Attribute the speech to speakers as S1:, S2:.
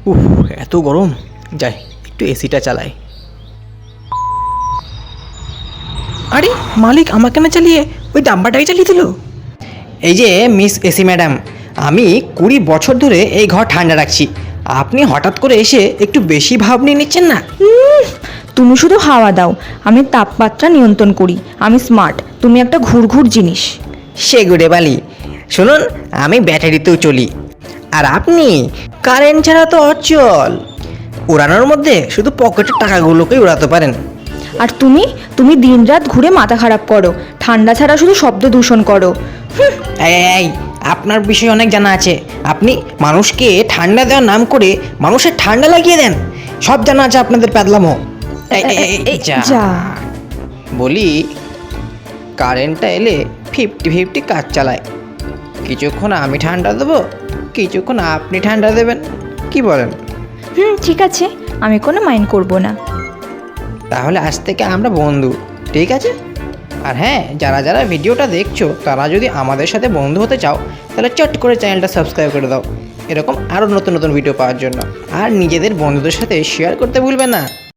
S1: উফ, এত গরম। যাই একটু এসিটা চালাই। আরে মালিক আমাকে না চালিয়ে ওই ডাম্পারটাই চালিয়ে দিল। এই যে মিস এসি ম্যাডাম, আমি 20 বছর ধরে এই ঘর ঠান্ডা রাখছি, আপনি হঠাৎ করে এসে একটু বেশি ভাব নিয়ে নিচ্ছেন না?
S2: তুমি শুধু হাওয়া দাও, আমি তাপমাত্রা নিয়ন্ত্রণ করি। আমি স্মার্ট, তুমি একটা ঘুরঘুর জিনিস।
S1: সে গুড়ে বালি। শুনুন, আমি ব্যাটারিতেও চলি, আর আপনি কারেন্ট ছাড়া তো অচল। উড়ানোর মধ্যে শুধু পকেটের টাকাগুলোকেই উড়াতে পারেন।
S2: আর তুমি তুমি দিনরাত ঘুরে মাথা খারাপ করো, ঠান্ডা ছাড়া শুধু শব্দ দূষণ করো।
S1: এই, আপনার বিষয়ে অনেক জানা আছে। আপনি মানুষকে ঠান্ডা দেওয়ার নাম করে মানুষের ঠান্ডা লাগিয়ে দেন। সব জানা আছে আপনাদের প্যাদলামো।
S2: যা।
S1: বলি, কারেন্টটা এলে 50-50 কাজ চালায়। কিছুক্ষণ আমি ঠান্ডা দেবো, কিছুক্ষণ আপনি ঠান্ডা দেবেন, কি বলেন?
S2: ঠিক আছে, আমি কোনো মাইন্ড করব না।
S1: তাহলে আজ থেকে আমরা বন্ধু, ঠিক আছে? আর হ্যাঁ, যারা যারা ভিডিওটা দেখছো তারা যদি আমাদের সাথে বন্ধু হতে চাও তাহলে চট করে চ্যানেলটা সাবস্ক্রাইব করে দাও, এরকম আরও নতুন নতুন ভিডিও পাওয়ার জন্য। আর নিজেদের বন্ধুদের সাথে শেয়ার করতে ভুলবে না।